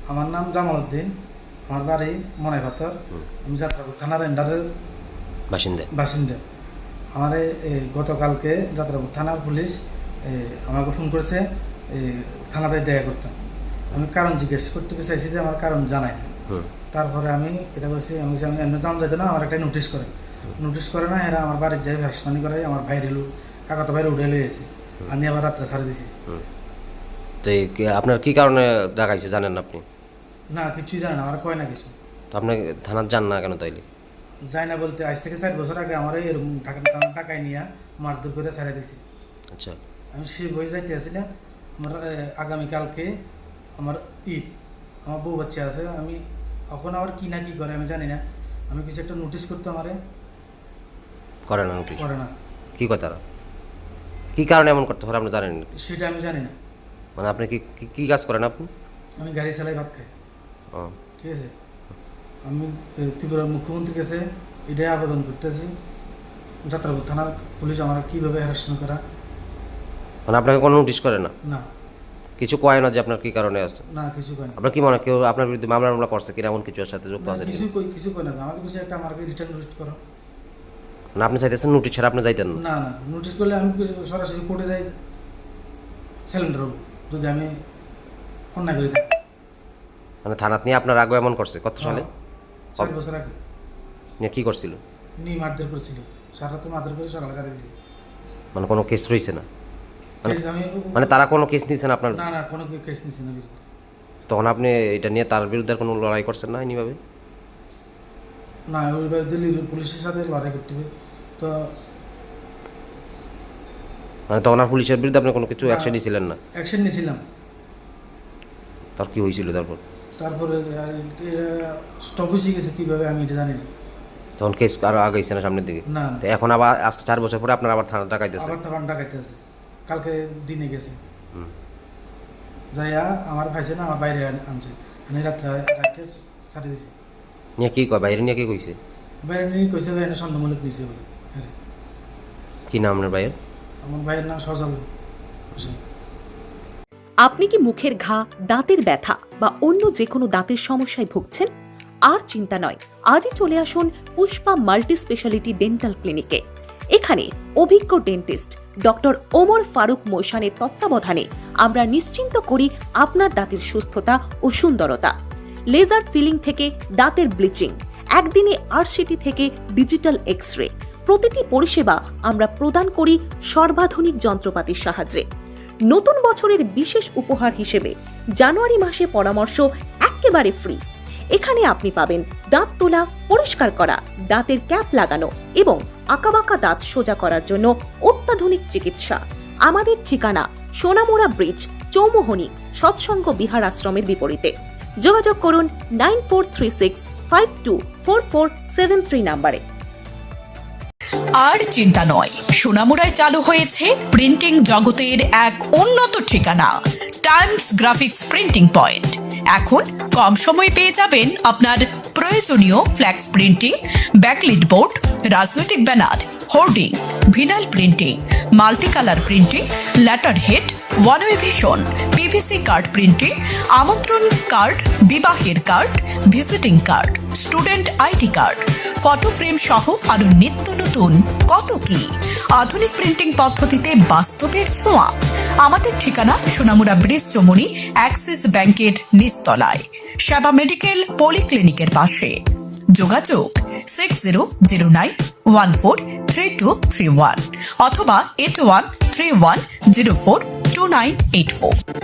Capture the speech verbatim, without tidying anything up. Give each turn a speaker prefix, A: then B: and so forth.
A: আমার নাম জামাল উদ্দিন, আমার বাড়ি মনাইপাথর। আমি যাত্রাপুর থানার এন্ডারের
B: বাসিন্দা
A: বাসিন্দা। আমার এই গতকালকে যাত্রাপুর থানার পুলিশ আমাকে ফোন করেছে, থানাতে দেখা করতাম। আমি কারণ জিজ্ঞেস করতে চাইছি যে আমার কারণ জানাই না। তারপরে আমি এটা বলছি, আমি এমনি দাম যাইতে না, আমার একটা নোটিশ করে নোটিশ করে না এরা আমার বাড়ির যাই ভাসমানি করে আমার বাইরে কাকাতো বাইরে উঠে লিয়েছে, আমি আবার রাত্রে ছাড়ে দিছি।
B: তো আপনার কি কারণে ডাকাইছে জানেন না আপনি?
A: না, কিছুই জানে না, আমার কয় না কিছু।
B: তো আপনি থানার যান না কেন তাইলে?
A: যাই না বলতে আজ থেকে চার বছর আগে আমার এরকম টাকা টাকায় নিয়ে মারধর করে ছাড়ে দিছি।
B: আচ্ছা,
A: আমি সে বই যাইতে আসি না। আমার আগামীকালকে আমার ঈদ, আমার বউ বাচ্চা আছে, আমি এখন আবার কি না কি করে আমি জানি না। আমি কিছু একটা নোটিশ করতে আমারে
B: করে না নোটিশ
A: করে না।
B: কি কথা, কি কারণে এমন করতে পারে আপনি জানেন?
A: সেটা আমি জানি না।
B: মানে আপনি কি কি কাজ করেন আপনি?
A: আমি গাড়ি চালাই, ভাত খাই।
B: ও
A: ঠিক আছে, আমি ত্রিপুরার মুখ্যমন্ত্রীর কাছে এটাই আবেদন করতেছি, যাত্রাপুর থানার পুলিশ আমার কীভাবে হ্যারাসমেন্ট করা।
B: মানে আপনাকে কোনো নোটিশ করে না?
A: না,
B: কিছু কয় না যে আপনার কি কারণে আছে?
A: না, কিছু কয় না।
B: আপনার কি মনে কেউ আপনার বিরুদ্ধে মামলা মামলা করছে কিনা, এমন কিছু এর সাথে যুক্ত আছে?
A: কিছু কই কিছু কয় না, আমাদের কিছু একটা আমাকে রিটার্ন নোটিশ করো।
B: না, আপনি চাইতেছেন নোটিশ ছাড়া আপনি যাইতেন না?
A: না না, নোটিশ করলে আমি সরাসরি কোর্টে যাই, সিলিন্ডার হবো যদি আমি অন্যায় করে থাকি।
B: মানে থানাত নিয়ে আপনার আগে এমন করছে কত সালে?
A: চার বছর আগে।
B: নিয়ে কি করছিল?
A: নিয়ে মারধর করছিল, সারা তো মারধর করে সকালে ছাড়ে দিয়েছি।
B: মানে কোনো কেস রয়েছে না?
A: আমি
B: মানে তারা কোনো কেস নিয়েছেন আপনার?
A: না না, কোনো কেস নিচ্ছে না বিরুদ্ধে।
B: তখন আপনি এটা নিয়ে তার বিরুদ্ধে কোনো লড়াই করছেন না এনিভাবে?
A: না, ওইভাবে দিল্লি পুলিশের সাথে লড়াই করতে হবে তো।
B: মানে তখন আর পুলিশের বিরুদ্ধে আপনি কোনো কিছু অ্যাকশন নিয়েছিলেন না?
A: অ্যাকশন নিয়েছিলাম।
B: তার কি হয়েছিল তারপর?
A: তারপরে স্টপ হয়ে গেছে কীভাবে আমি এটা জানি না।
B: তখন কেস আরো আগাইছে না সামনের দিকে?
A: না,
B: তো এখন আবার আজকে চার বছর পরে আপনার আবার থানা ডাকাইতেছে?
A: আবার থানা ডাকাইতেছে, কালকে দিনে গেছে যাইয়া আমার ভাইছে না, আমার বাইরে আনছে, আমি রাত্রে রাখতে ছাড়ে দিছি।
B: নিয়ে কি কয় বাইরে নিয়ে কি কইছে?
A: বাইরে নিয়ে কইছে ভাই সন্দেহমূলক কইছে বলে। হ্যাঁ,
B: কি নাম আপনার ভাইয়ের?
A: আমার ভাইয়ের নাম সজল হোসেন।
C: আপনি কি মুখের ঘা, দাঁতের ব্যথা বা অন্য যে কোনো দাঁতের সমস্যায় ভুগছেন? আর চিন্তা নয়, আজই চলে আসুন পুষ্পা মাল্টি স্পেশালিটি ডেন্টাল ক্লিনিকে। এখানে অভিজ্ঞ ডেন্টিস্ট ডক্টর ওমর ফারুক মোশানের তত্ত্বাবধানে আমরা নিশ্চিন্ত করি আপনার দাঁতের সুস্থতা ও সুন্দরতা। লেজার ফিলিং থেকে দাঁতের ব্লিচিং, একদিনে আরসিটি থেকে ডিজিটাল এক্স রে, প্রতিটি পরিষেবা আমরা প্রদান করি সর্বাধুনিক যন্ত্রপাতির সাহায্যে। নতুন বছরের বিশেষ উপহার হিসেবে জানুয়ারি মাসে পরামর্শ একেবারে ফ্রি। এখানে আপনি পাবেন দাঁত তোলা, পরিষ্কার করা, দাঁতের ক্যাপ লাগানো এবং আঁকাবাঁকা দাঁত সোজা করার জন্য অত্যাধুনিক চিকিৎসা। আমাদের ঠিকানা সোনামুড়া ব্রিজ, চৌমোহনী সৎসঙ্গ বিহার আশ্রমের বিপরীতে। যোগাযোগ করুন nine four three six five two four four seven three নাম্বারে।
D: আর চিন্তা নয়, সোনামুড়ায় চালু হয়েছে প্রিন্টিং জগতের এক উন্নত ঠিকানা, টাইমস গ্রাফিক্স প্রিন্টিং পয়েন্ট। এখন কম সময়ে পেয়ে যাবেন আপনার প্রয়োজনীয় ফ্ল্যাক্স প্রিন্টিং, ব্যাকলিট বোর্ড, রাজনৈতিক banner, hoarding, vinyl printing, multi colour printing, letter head, one way vision, PVC card printing, আমন্ত্রণ কার্ড, বিবাহের card, visiting card, student ID card, photo frame সহ আরো নিত্য নতুন কত কি আধুনিক প্রিন্টিং পদ্ধতিতে বাস্তবের ছোঁয়া। আমাদের ঠিকানা সোনামুড়া ব্রিজ, চৌমুহনী অ্যাক্সিস ব্যাংকের নিচতলায়, সেবা মেডিকেল পলিক্লিনিকের পাশে। যোগাযোগ six zero zero nine one four three two three one অথবা eight one three one zero four two nine eight four.